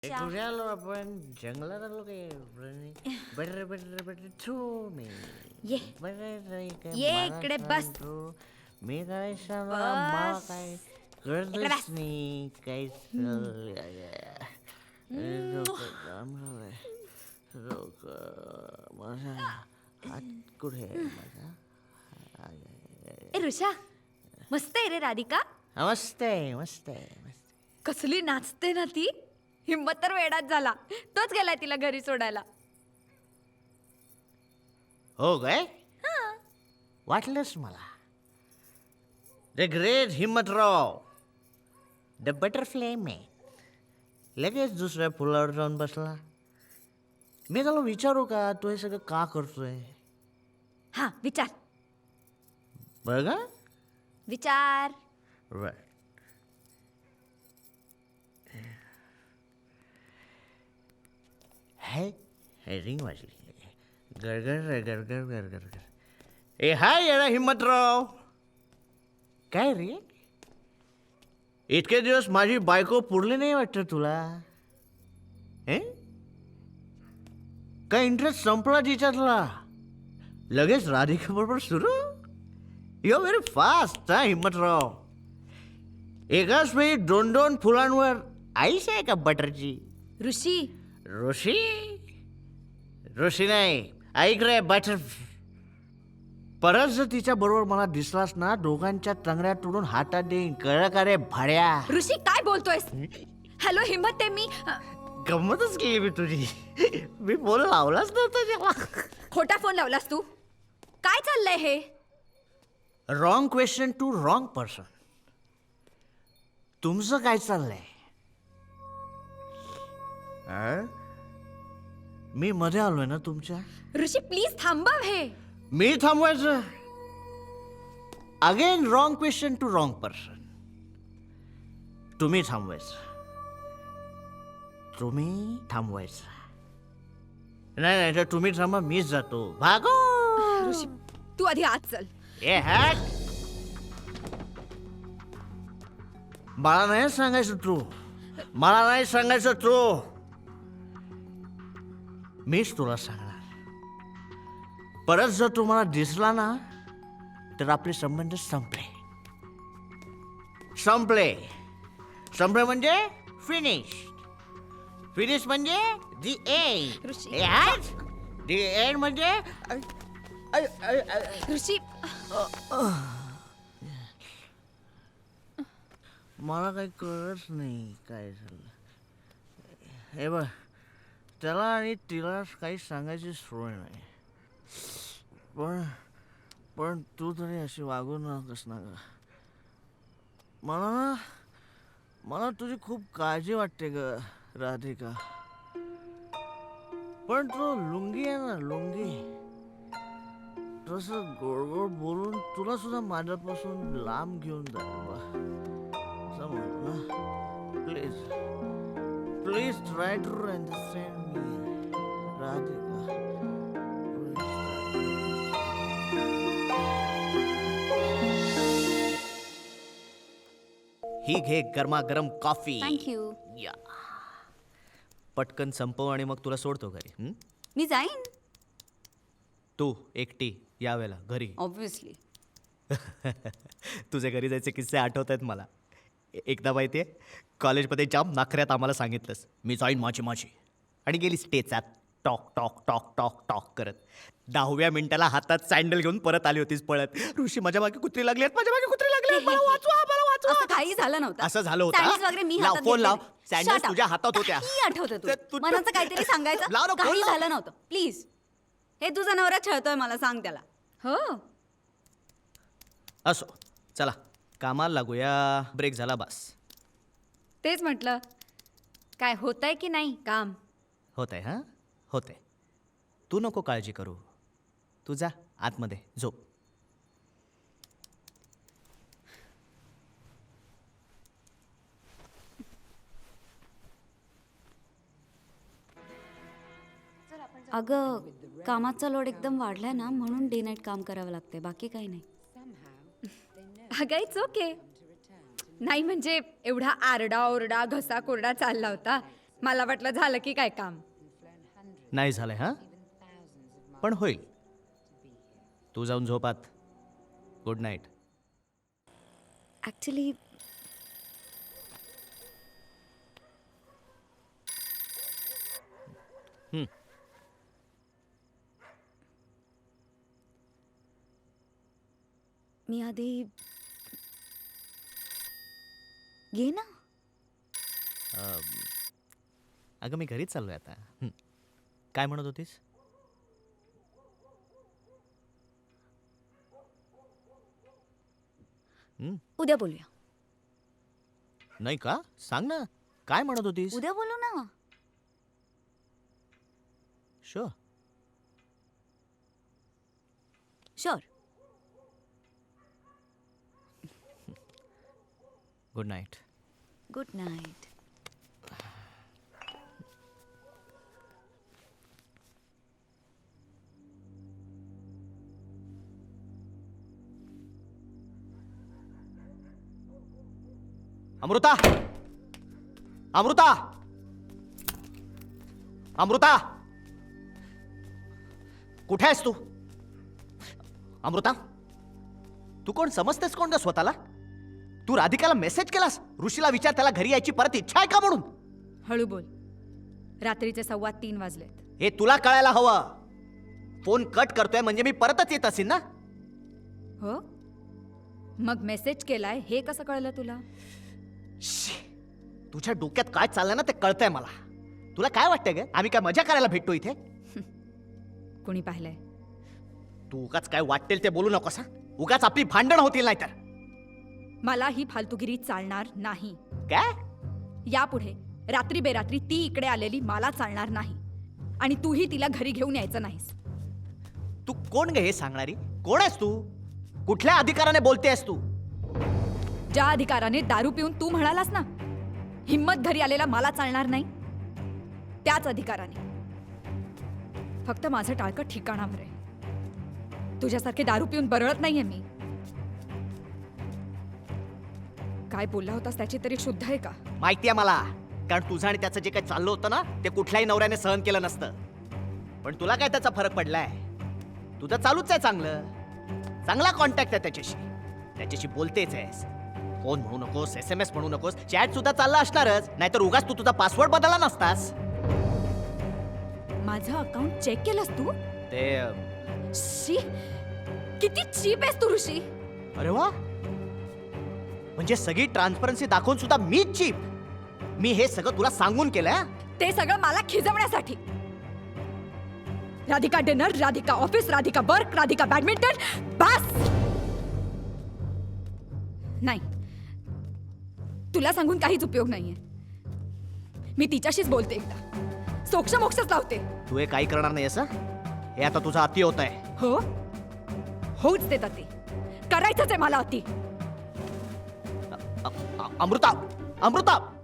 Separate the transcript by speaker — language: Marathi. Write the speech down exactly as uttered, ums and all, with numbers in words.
Speaker 1: कुठे आलो आपण जंगलात आलो काय बटर बटर बटर थ्रू मी
Speaker 2: ये.
Speaker 1: बटर
Speaker 2: ये इकडे बस.
Speaker 1: मी काय सांगा
Speaker 2: बस.
Speaker 1: मला काय
Speaker 2: इकडे
Speaker 1: कळतच
Speaker 2: बस.
Speaker 1: नाही काय चाललंय. डोकं जाम झालंय. डोकं माझा हात कुठे आहे माझा
Speaker 2: ए ऋषा मस्त आहे रे राधिका.
Speaker 1: मस्त आहे मस्त आहे मस्त.
Speaker 2: कसली नाचते ना ती. हिम्मत तर वेडाच झाला. तोच गेलाय तिला घरी सोडायला.
Speaker 1: हो काय वाटलंच मला. The great Himmatrao the butterfly man लगेच दुसऱ्या फुलावर जाऊन बसला. मी त्याला विचारू का तू हे सगळं का करतोय.
Speaker 2: हा विचार
Speaker 1: बघा
Speaker 2: विचार.
Speaker 1: राईट. है है रिंग वाजली. गरगर गरगर गरगर गर. ए हाय येडा हिम्मतराव. काय रे इतके दिवस माझी बायको पुरली नाही वाटतं तुला. हे काय इंटरेस्ट संपला तिच्यातला. लगेच राधिका बरोबर सुरू. यू आर व्हेरी फास्ट हा हिम्मतराव. एकाच वेळी दोन दोन फुलांवर आईस आहे का बटरची.
Speaker 2: ऋषी
Speaker 1: ऋषी ऋषी नाही ऐक रे बटर. परत जर तिच्या बरोबर मला दिसलास ना दोघांच्या तंगड्या तोडून हातात देईन कळलं का रे भाड्या.
Speaker 2: ऋषी काय बोलतोयस. हॅलो हिम्मत आहे मी.
Speaker 1: गंमतच केली मी तुझी. मी बोल लावलाच नव्हता जेव्हा.
Speaker 2: खोटा फोन लावलास तू. काय चाललंय हे.
Speaker 1: Wrong question to wrong person. तुमचं काय चाललंय. अं? मी मध्ये आलोय ना तुमच्या.
Speaker 2: ऋषी प्लीज थांबव हे.
Speaker 1: मी थांबवायचं. Again wrong question to wrong person. तुम्ही थांबवायचं. तुम्ही थांबवायचं. नाही नाही तर तुम्ही थांबा मीच जातो. भागो.
Speaker 2: ऋषी तू आधी आत चल.
Speaker 1: ए हॅट. मला नाही सांगायचं तू. मला नाही सांगायचं तू. मीच तुला सांगणार. परत जर तुम्हाला दिसला ना तर आपले संबंध संपले. संपले संपले म्हणजे फिनिश. फिनिश म्हणजे दी एंड.
Speaker 2: ऋषी.
Speaker 1: दी एंड म्हणजे
Speaker 2: ऋषी
Speaker 1: मला काही कळत नाही काय झालं. हे बघ त्याला आणि तिला काही सांगायची सोय नाही. पण पण तू तरी अशी वागू नकोस ना ग. मला ना मला तुझी खूप काळजी वाटते ग राधिका. पण तो लुंगी आहे ना लुंगी तसं गोड गोड बोलून तुला सुद्धा माझ्यापासून लांब घेऊन जाईल. समज ना please please try to understand मी राधिका.
Speaker 3: ही घे गरमागरम कॉफी.
Speaker 2: थँक्यू.
Speaker 3: या पटकन संपव आणि मग तुला सोडतो घरी. हं?
Speaker 2: मी जाईन
Speaker 3: तू एकटी यावेळेला घरी.
Speaker 2: ऑब्विसली.
Speaker 3: तुझे घरी जायचे किस्से आठवत आहेत मला. ए- एकदा माहिती आहे कॉलेजमध्ये जाम नाखऱ्यात आम्हाला सांगितलंस मी जाईन माझी माझी आणि गेली स्टेचात talk talk talk talk talk करत. दहाव्या मिनिटाला हातात सँडल घेऊन परत आली होतीस पळत. ऋषी माझ्या मागे कुत्री लागली आहेत माझ्या मागे कुत्री लागली आहेत. मला वाचवा मला वाचवा.
Speaker 2: असं काही झालं नव्हतं.
Speaker 3: असं झालं होतं.
Speaker 2: सँडल्स वगैरे मी
Speaker 3: लाव,
Speaker 2: हातात
Speaker 3: फोन लाव.
Speaker 2: घेतले.
Speaker 3: Sandals
Speaker 2: Shut up.
Speaker 3: तुझ्या हातात होत्या.
Speaker 2: काही आठवतं
Speaker 3: ते
Speaker 2: तू
Speaker 3: तू-
Speaker 2: मनाचं काहीतरी सांगायचं.
Speaker 3: लाव ना, फोन
Speaker 2: काही
Speaker 3: लाव.
Speaker 2: झालं नव्हतं प्लीज. हे तुझा नवरा छळतोय मला सांग त्याला. हो
Speaker 3: असो चला कामाला लागूया. ब्रेक झाला बस.
Speaker 2: तेच म्हटलं काय होतंय की नाही काम.
Speaker 3: होत आहे हां होत आहे. तू नको काळजी करू. तू जा आतमध्ये झोप.
Speaker 4: अगं कामाचा लोड एकदम वाढलाय ना म्हणून डे नाईट काम करावं लागतंय बाकी काही नाही.
Speaker 2: अगं इट्स ओके. नाही म्हणजे एवढा आरडा ओरडा घसा कोरडा चालला होता मला वाटलं झालं की काय काम.
Speaker 3: नाही झालंय हां, पण होईल. तू जाऊन झोपात. Good night.
Speaker 4: ॲक्च्युली मी आधी घे ना.
Speaker 3: अगं मी घरीच चाललोय आता. हं. काय म्हणत होतीस? हं,
Speaker 4: उद्या बोलूया.
Speaker 3: नाही का? सांग ना, काय म्हणत होतीस?
Speaker 4: उद्या बोलू ना.
Speaker 3: Sure.
Speaker 4: Sure.
Speaker 3: Good night.
Speaker 4: Good night.
Speaker 3: Amruta, Amruta, Amruta, कुठे आहेस तू? अमृता, तू कोण समजतेस कोण ग स्वतःला? तू राधिकाला मेसेज केलास? ऋषीला विचार त्याला घरी यायची परत इच्छा आहे का म्हणून.
Speaker 2: हळू बोल. रात्रीचे सव्वा तीन वाजलेत.
Speaker 3: हे तुला कळायला हवं. फोन कट करतोय म्हणजे मी परतच येत असेल ना.
Speaker 2: हो, मग मेसेज केलाय हे कसं कळलं तुला?
Speaker 3: शी, तुझ्या डोक्यात काय चाललंय ना ते कळतंय मला. तुला काय वाटतंय ग, आम्ही काय मजा करायला भेटतो इथे?
Speaker 2: कुणी पाहिलंय?
Speaker 3: तू उगाच काय वाटेल ते बोलू नकोस हा. उगाच आपली भांडण होतील नाही तर.
Speaker 2: मला ही फालतूगिरी चालणार नाही.
Speaker 3: काय?
Speaker 2: यापुढे रात्री बेरात्री ती इकडे आलेली मला चालणार नाही. आणि तूही तिला घरी घेऊन यायचं नाहीस.
Speaker 3: तू कोण ग हे सांगणारी? कोण आहेस तू? कुठल्या अधिकाराने बोलतेस तू?
Speaker 2: ज्या अधिकाराने दारू पिऊन तू म्हणालास ना हिम्मत घरी आलेला मला चालणार नाही, त्याच अधिकाराने. फक्त माझं टाळकं ठिकाणावर आहे. तुझ्यासारखे दारू पिऊन बरळत नाहीये मी. काय बोलला होतास त्याची तरी शुद्ध आहे का?
Speaker 3: माहितीये मला, कारण तुझं आणि त्याचं जे काही चाललं होतं ना ते कुठल्याही नवऱ्याने सहन केलं नसतं. पण तुला काय त्याचा फरक पडलाय? तुझं चालूच आहे चांगलं. चांगला कॉन्टॅक्ट आहे त्याच्याशी. त्याच्याशी बोलतेच आहेस. फोन म्हणू नकोस, एस एम एस म्हणू नकोस, चॅट सुद्धा चालला असणारच. नाहीतर उगाच तू तुझा पासवर्ड बदलला नसतास.
Speaker 2: माझं अकाउंट चेक केलंस तू?
Speaker 3: ते अं,
Speaker 2: शी, किती चीप आहेस तू ऋषी.
Speaker 3: अरे वा, म्हणजे सगळी ट्रान्सपरन्सी दाखवून सुद्धा मीच चीप. मी हे सगळं तुला सांगून केलंय.
Speaker 2: ते सगळं मला खिजवण्यासाठी. Radhika dinner, Radhika office, Radhika work, Radhika badminton. बस. नाही, तुला सांगून काहीच उपयोग नाहीये. मी तिच्याशीच बोलते एकदा. सोक्ष मोक्षच लावते.
Speaker 3: तू हे काही करणार नाही असं? हे आता तुझा अति होत आहे.
Speaker 2: हो, होऊच देत अति. करायचंच आहे मला अति.
Speaker 3: अ- अ- अमृता, अमृता